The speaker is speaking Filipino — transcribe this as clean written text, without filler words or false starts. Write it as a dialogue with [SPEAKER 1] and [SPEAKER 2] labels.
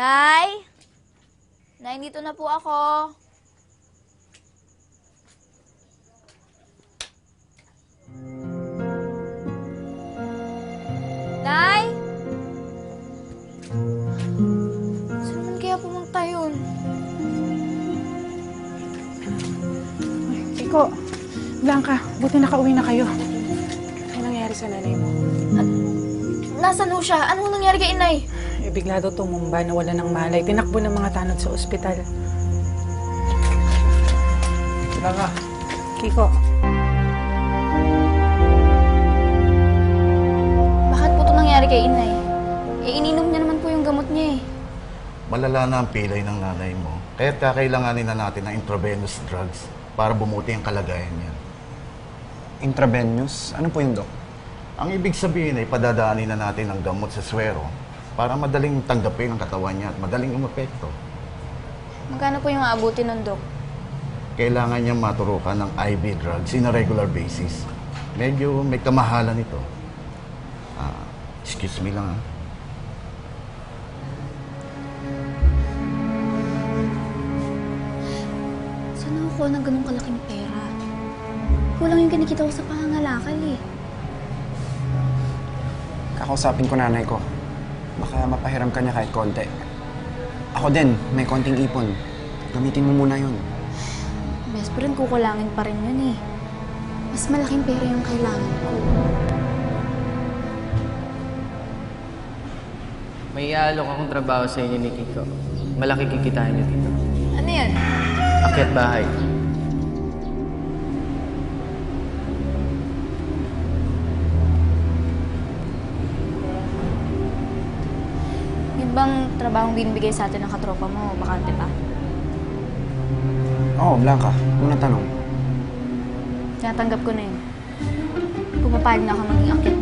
[SPEAKER 1] Nay? Nay, dito na po ako. Nay? Saan naman kaya pumunta yun?
[SPEAKER 2] Kiko, Blanca, buti nakauwi na kayo. Ano nangyari sa nanay mo?
[SPEAKER 1] Nasaan ho siya? Ano nangyari kay inay?
[SPEAKER 2] Bigla daw tumumba, nawala ng malay. Tinakbo ng mga tanod sa ospital.
[SPEAKER 3] Blanca.
[SPEAKER 2] Kiko,
[SPEAKER 1] Bakit po ito nangyari kay inay? Ininom niya naman po yung gamot niya eh.
[SPEAKER 3] Malala na ang pilay ng nanay mo. Kaya't kakailanganin na natin ng intravenous drugs para bumuti ang kalagayan niya.
[SPEAKER 4] Intravenous? Ano po yun, Dok?
[SPEAKER 3] Ang ibig sabihin ay padadaanin na natin ang gamot sa swero para madaling tanggapin ang katawan niya at madaling umepekto.
[SPEAKER 1] Magkano po yung aabuti nun, Dok?
[SPEAKER 3] Kailangan niya maturukan ng IV drugs in a regular basis. Medyo may kamahalan ito. Excuse me lang.
[SPEAKER 1] Saan ako ng ganun kalaking pera? Kulang yung kinikita ko sa pangangalakal eh.
[SPEAKER 4] Kakausapin ko nanay ko. Baka mapahiram ka niya kahit konti. Ako din, may konting ipon. Gamitin mo muna yun.
[SPEAKER 1] Bes, pero kukulangin pa rin yun eh. Mas malaking pera yung kailangan ko.
[SPEAKER 5] May iaalok akong trabaho sa inyo ni Kiko. Malaki kikitain niyo dito.
[SPEAKER 1] Ano yan?
[SPEAKER 5] Akyat bahay.
[SPEAKER 1] Yun bang trabahong binibigay sa atin ng katropa mo? Bakante pa?
[SPEAKER 4] Oo, Blanca. Unang tanong.
[SPEAKER 1] Tinatanggap ko na yun. Pumapayag na ako maging akyat